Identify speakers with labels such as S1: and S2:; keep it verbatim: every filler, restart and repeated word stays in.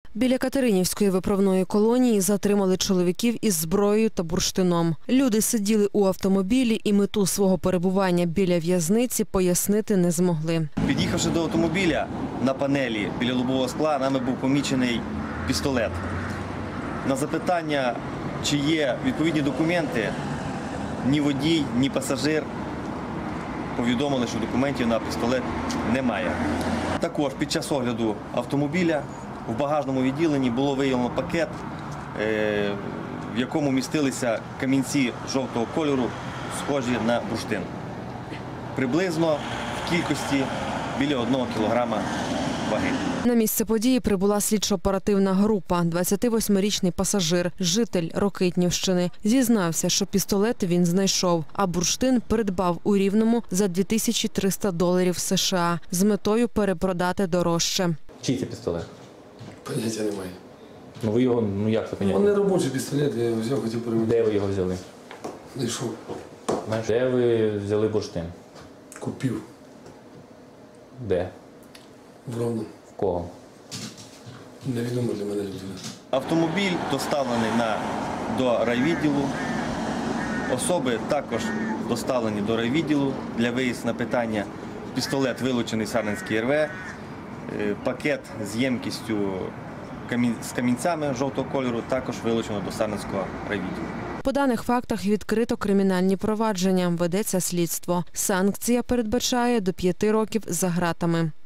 S1: Біля Катеринівської виправної колонії затримали чоловіків із зброєю та бурштином. Люди сиділи у автомобілі і мету свого перебування біля в'язниці пояснити не змогли.
S2: Під'їхавши до автомобіля, на панелі біля лобового скла нами був помічений пістолет. На запитання, чи є відповідні документи, ні водій, ні пасажир повідомили, що документів на пістолет немає. Також під час огляду автомобіля в багажному відділенні було виявлено пакет, в якому містилися камінці жовтого кольору, схожі на бурштин. Приблизно в кількості біля одного кілограма ваги.
S1: На місце події прибула слідчо-оперативна група. двадцятивосьмирічний пасажир, житель Рокитнівщини, зізнався, що пістолет він знайшов, а бурштин придбав у Рівному за дві тисячі триста доларів США з метою перепродати дорожче.
S3: Чий це пістолет?
S4: Поняття немає.
S3: Ну ви його, ну як це поняття?
S4: Він не робочий пістолет, я його взяв, хотів перевірити.
S3: Де ви його взяли?
S4: Знайшов.
S3: Знаєш, де ви взяли бурштин?
S4: Купив.
S3: Де?
S4: В Ровному.
S3: В кого?
S4: Невідомо для мене людина.
S2: Автомобіль доставлений на, до райвідділу. Особи також доставлені до райвідділу для виїзду на питання. Пістолет вилучений з Сарненської ер ве, пакет з ємкістю з камінцями жовтого кольору також вилучено до Сарненського райвідділу.
S1: По даних фактах відкрито кримінальні провадження, ведеться слідство. Санкція передбачає до п'яти років за ґратами.